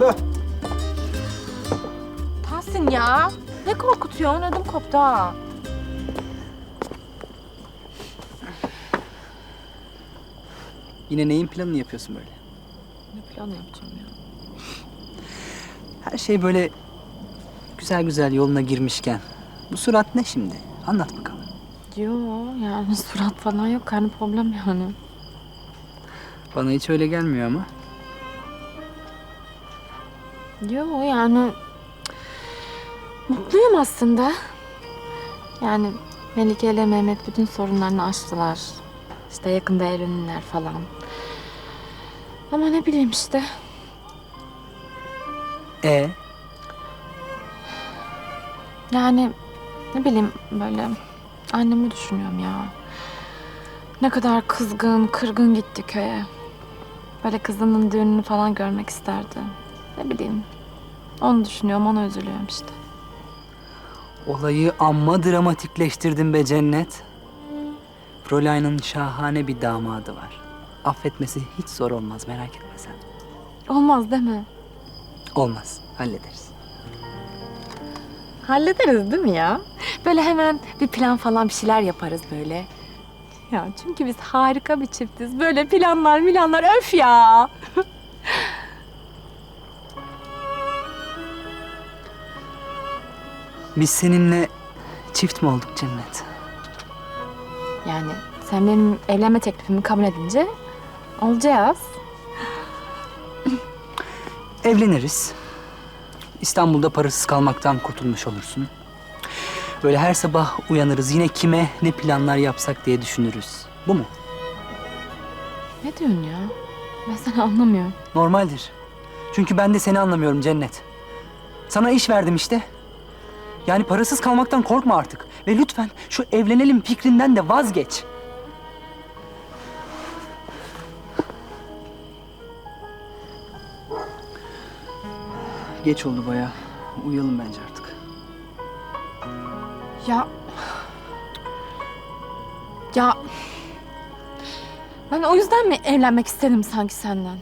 Tahsin ya. Ne korkutuyorsun? Ödüm koptu ha. Yine neyin planını yapıyorsun böyle? Ne planı yapacağım ya? Her şey böyle güzel güzel yoluna girmişken. Bu surat ne şimdi? Anlat bakalım. Yo yani surat falan yok. Karnı problem yani. Bana hiç öyle gelmiyor ama. Yo yani mutluyum aslında. Yani Melike ile Mehmet bütün sorunlarını aştılar. İşte yakında evlenirler falan. Ama ne bileyim işte. Yani ne bileyim böyle annemi düşünüyorum ya. Ne kadar kızgın, kırgın gitti köye. Böyle kızının düğününü falan görmek isterdi. Ne bileyim. Onu düşünüyorum, ona üzülüyorum işte. Olayı amma dramatikleştirdin be Cennet. Fräulein'in şahane bir damadı var. Affetmesi hiç zor olmaz, merak etme sen. Olmaz değil mi? Olmaz, hallederiz. Hallederiz değil mi ya? Böyle hemen bir plan falan bir şeyler yaparız böyle. Ya çünkü biz harika bir çiftiz. Böyle planlar öf ya. Biz seninle çift mi olduk Cennet? Yani sen benim evlenme teklifimi kabul edince olacağız. Evleniriz. İstanbul'da parasız kalmaktan kurtulmuş olursun. Böyle her sabah uyanırız, yine kime ne planlar yapsak diye düşünürüz. Bu mu? Ne diyorsun ya? Ben seni anlamıyorum. Normaldir. Çünkü ben de seni anlamıyorum Cennet. Sana iş verdim işte. Yani parasız kalmaktan korkma artık. Ve lütfen şu evlenelim fikrinden de vazgeç. Geç oldu bayağı. Uyuyalım bence artık. Ya... Ya... Ben o yüzden mi evlenmek istedim sanki senden?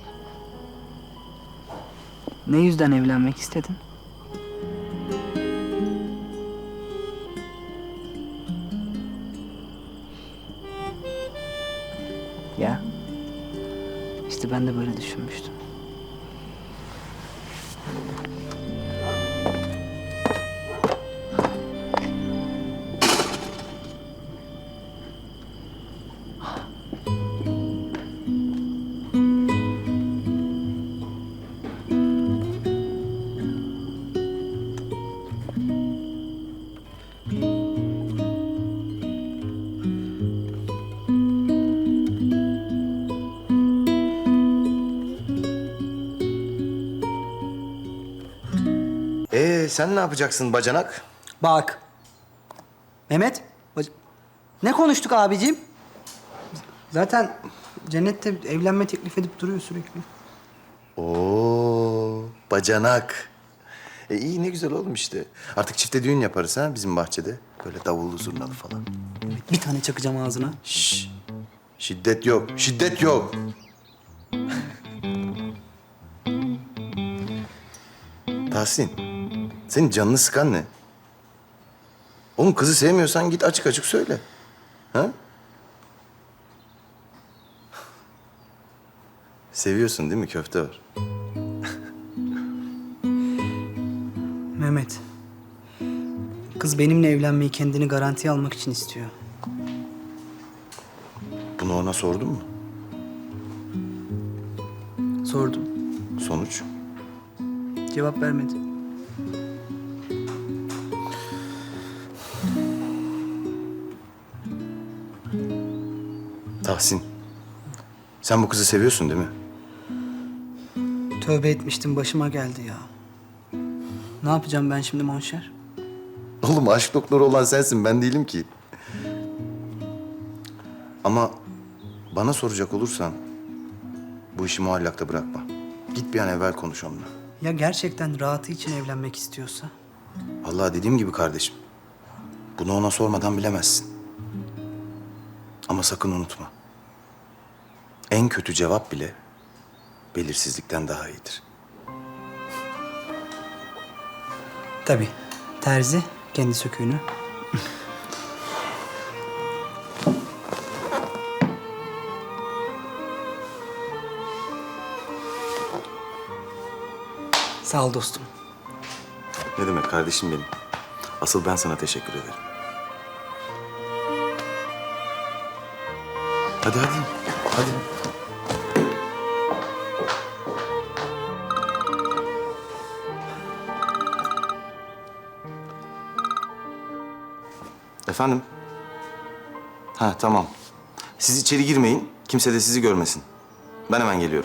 Ne yüzden evlenmek istedin? Ya. İşte ben de böyle düşünmüştüm. Sen ne yapacaksın bacanak? Bak. Mehmet. Ne konuştuk abicim? Zaten Cennet'te evlenme teklif edip duruyor sürekli. Oo, bacanak. İyi ne güzel oğlum işte. Artık çifte düğün yaparız ha bizim bahçede. Böyle davullu zurnalı falan. Bir tane çakacağım ağzına. Şşş. Şiddet yok, şiddet yok. Tahsin, senin canını sıkan ne? Oğlum kızı sevmiyorsan git açık açık söyle. Ha? Seviyorsun değil mi? Köfte var. Mehmet. Kız benimle evlenmeyi kendini garantiye almak için istiyor. Bunu ona sordun mu? Sordum. Sonuç? Cevap vermedi. Tahsin, sen bu kızı seviyorsun değil mi? Tövbe etmiştim, başıma geldi ya. Ne yapacağım ben şimdi Monşer? Oğlum aşk doktoru olan sensin, ben değilim ki. Ama bana soracak olursan bu işi muallakta bırakma. Git bir an evvel konuş onunla. Ya gerçekten rahatı için evlenmek istiyorsa? Vallahi dediğim gibi kardeşim. Bunu ona sormadan bilemezsin. Ama sakın unutma. En kötü cevap bile belirsizlikten daha iyidir. Tabii. Terzi kendi söküğünü. Sağ ol dostum. Ne demek kardeşim benim. Asıl ben sana teşekkür ederim. Hadi hadi. Hadi. Efendim? Ha tamam. Siz içeri girmeyin. Kimse de sizi görmesin. Ben hemen geliyorum.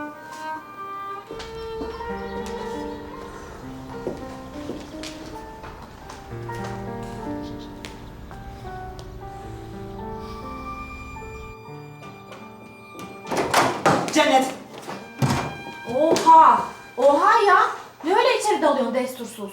Cennet! Oha! Oha ya! Ne öyle içeri dalıyorsun destursuz?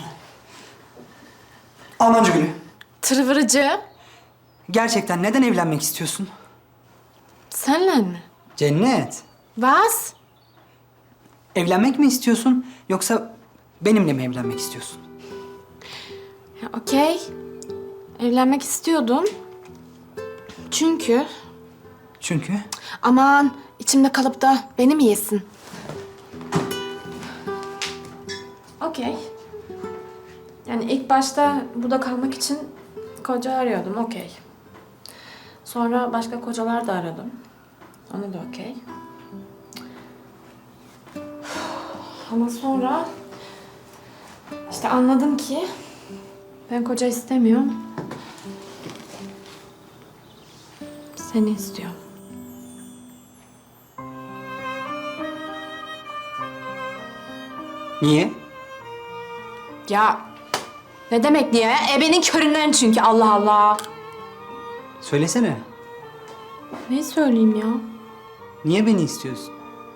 Almancı Gülü. Tırvırıcı. Gerçekten neden evlenmek istiyorsun? Senle mi? Cennet. Was? Evlenmek mi istiyorsun yoksa benimle mi evlenmek istiyorsun? Ya, okey. Evlenmek istiyordum. Çünkü... Çünkü Aman içimde kalıp da beni mi yesin? Okey. Yani ilk başta burada kalmak için koca arıyordum, okey. Sonra başka kocalar da aradım. Onu da okey. Ama sonra işte anladım ki ben koca istemiyorum. Seni istiyorum. niye? Ya ne demek niye? Ebenin köründen çünkü Allah Allah. Söylesene. Ne söyleyeyim ya? Niye beni istiyorsun?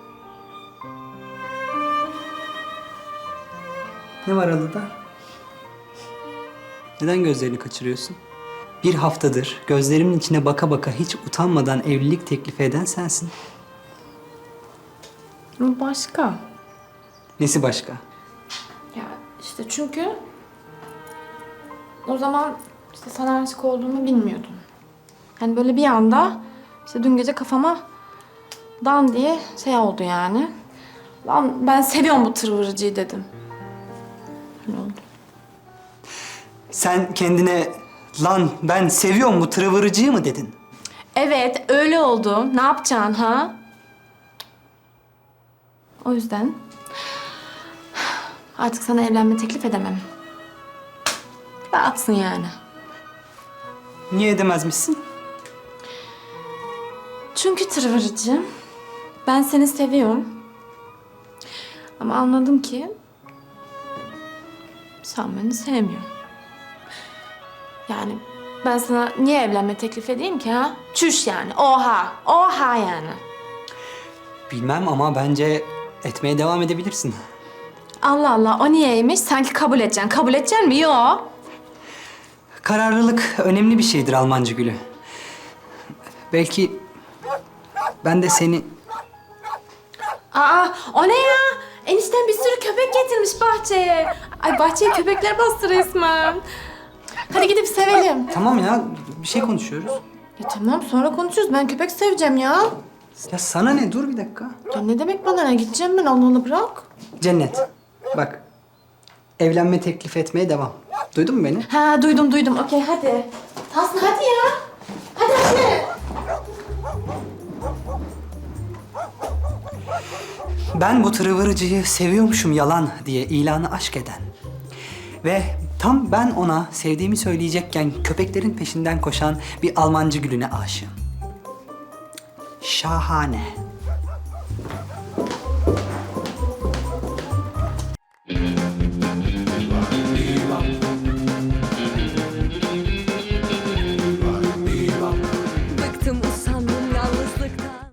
Ne var Alı'da? Neden gözlerini kaçırıyorsun? Bir haftadır gözlerimin içine baka baka hiç utanmadan evlilik teklifi eden sensin. Bu başka. Nesi başka? Ya işte çünkü o zaman işte sana aşık olduğumu bilmiyordum. Hani böyle bir anda işte dün gece kafama dan diye şey oldu yani. Lan ben seviyorum bu tırvırıcıyı dedim. Öyle oldu. Sen kendine lan ben seviyorum bu tırıvırıcıyı mı dedin? Evet öyle oldu. Ne yapacaksın ha? O yüzden artık sana evlenme teklif edemem. Rahatsın yani. Niye edemezmişsin? Çünkü tırvırıcı. Ben seni seviyorum. Ama anladım ki sen beni sevmiyorsun. Yani ben sana niye evlenme teklif edeyim ki ha? Çüş yani. Oha. Oha yani. Bilmem ama bence etmeye devam edebilirsin. Allah Allah o niyeymiş? Sanki kabul edeceksin. Kabul edeceksin mi? Yo. Kararlılık önemli bir şeydir Almancı Gülü. Belki ben de seni... Aa o ne ya? Enişten bir sürü köpek getirmiş bahçeye. Ay bahçeye köpekler bastı resmen. Hadi gidip sevelim. Tamam ya, bir şey konuşuyoruz. Ya tamam sonra konuşuruz. Ben köpek seveceğim ya. Ya sana ne? Dur bir dakika. Ya ne demek bana ne? Gideceğim ben onu bırak. Cennet, bak. Evlenme teklif etmeye devam. Duydun mu beni? Ha duydum. Okey hadi. Tahsin hadi ya. Hadi. Ben bu tırıvırıcıyı seviyormuşum yalan diye ilanı aşk eden ve tam ben ona sevdiğimi söyleyecekken köpeklerin peşinden koşan bir Almancı Gülüne aşığım. Şahane.